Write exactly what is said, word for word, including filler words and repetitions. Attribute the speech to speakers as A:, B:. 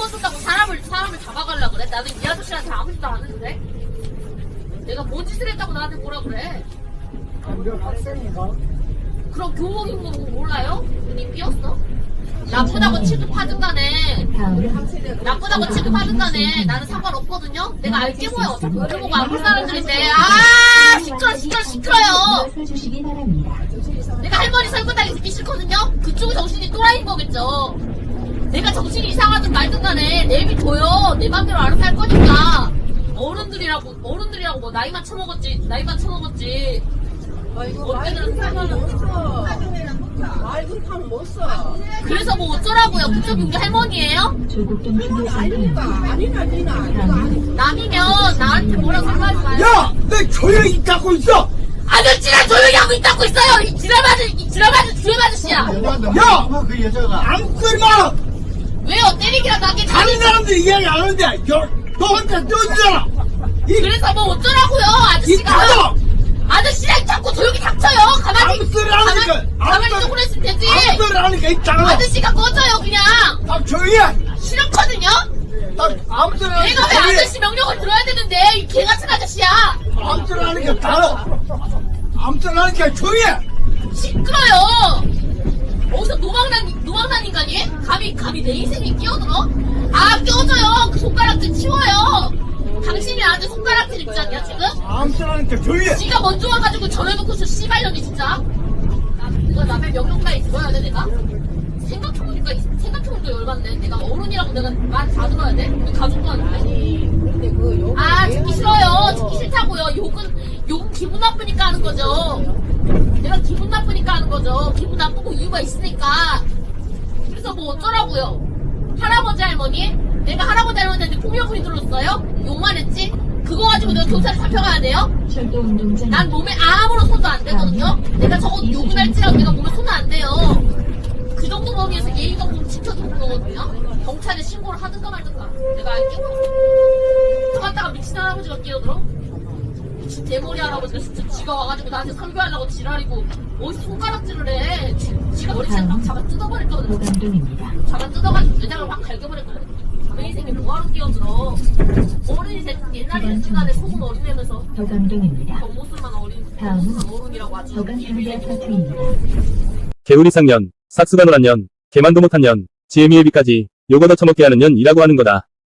A: 번 쓴다고 사람을 사람을 잡아가려 그래? 나는 이 아저씨한테 아무 짓도 안 해도 돼? 내가 뭔 짓을 했다고 나한테 뭐라 그래?
B: 완전 학생인가?
A: 그럼 교복인 거 몰라요? 눈이 삐었어? 나쁘다고 취급하든 간에 나쁘다고 취급하든 간에 나는 상관없거든요? 내가 알게 뭐야. 어차피 우리 보고 아플 사람들인데. 아 시끄러 시끄러 시끄러요. 내가 할머니 설거지하기 듣기 싫거든요? 그쪽이 정신이 또라이인 거겠죠. 내가 정신이 이상하든 말든 간에 내비둬요. 내 맘대로 알아서 할 거니까. 어른들이라고 어른들이라고 뭐 나이만 처먹었지 나이만 처먹었지. 어때는 상관없어.
B: 말 그렇게 하면 못 써.
A: 그래서 뭐 어쩌라고요? 그쪽이 우리 할머니예요?
B: 이건 아니니까. 아니나, 니나. 이거 아니고.
A: 남이면 나한테 뭐라고 상관하지 마요.
C: 야! 내 조용히 잡고 있어!
A: 아저씨랑 조용히 하고 있다고 있어요! 이 지랄맞은, 이 지랄맞은 주임 아저씨야!
C: 야!
D: 그 여자가
C: 아무 소리 마!
A: 왜요? 때리기라도 하게
C: 다른 사람들 이야기 안 하는데, 너, 너 혼자 떠들잖아! 이,
A: 그래서 뭐 어쩌라고요?
C: 이
A: 아저씨가!
C: 타도!
A: 아저씨랑 자꾸 조용히 닥쳐요! 가만히,
C: 아무 소리 안 하니까!
A: 가만히, 가만히
C: 아무
A: 쪼그려 있으면 되지!
C: 아무 소리 안 하니까 이 장아!
A: 아저씨가 꺼져요, 그냥!
C: 딱 조용히 해!
A: 싫었거든요?
C: 딱 아무 소리 안
A: 내가
C: 하니까
A: 왜
C: 조용히 해!
A: 아저씨 명령을 들어야 되는데, 이 개같은 아저씨야!
C: 아무 소리 안 하니까 달아! 아무 소리 안 하니까 조용히 해!
A: 시끄러요! 어디서 노망난, 노망난 인간이? 감히, 감히 내 인생에 끼어들어? 아, 껴줘요! 그 손가락질 치워요! 당신이 나한테 손가락질 입지 않냐, 지금?
C: 아무 소리 안 하니까 조용히 해!
A: 지가 먼저 와가지고 전해놓고서 씨발년이 진짜? 나, 내가 남의 명령가에 들어야 돼, 내가? 생각해보니까, 생각해보니까 열받네. 내가 어른이라고 내가 말 다 들어야 돼? 우리 가족도 아닌데.
B: 아니, 근데 그 욕을.
A: 아,
B: 왜
A: 듣기
B: 하는
A: 싫어요.
B: 거야?
A: 듣기 싫다고요. 욕은, 욕은 기분 나쁘니까 하는 거죠. 내가 기분 나쁘니까 하는 거죠. 기분 나쁘고 이유가 있으니까. 그래서 뭐 어쩌라고요. 할아버지 할머니? 내가 할아버지 할머니한테 폭력을 휘둘렀어요? 욕만 했지? 그거 가지고 내가 경찰에 잡혀가야 돼요? 난 몸에 아무런 손도 안 대거든요? 내가 저거 욕을 할지라도 내가 몸에 손은 안 돼요. 그 정도 범위에서 예의 정도는 지켜주는 거거든요? 경찰에 신고를 하든가 말든가. 내가 알게 뭐. 갔다가 미친 할아버지가 끼어들어? 미친 대머리 할아버지가 진짜 지가 와가지고 나한테 설교하려고 지랄이고 어디서 손가락질을 해. 지, 지가 머리채 막 잡아 뜯어버릴 거거든. 잡아 뜯어가지고 내장을 확 갈겨버릴 거거든. 내 인생에 뭐하러 끼어들어. 어른이 됐, 옛날에 됐 시간에 속은 어린애면서
E: 더감동입니다.
A: 겉모습만 어린,
E: 다음은
A: 겉모습만 어른이라고 아주
E: 더감동의 파트입니다.
F: 개우리 상년, 삭수가 노란 년, 개만도 못한 년, 지혜미예비까지 요거 더 처먹게 하는 년이라고 하는 거다.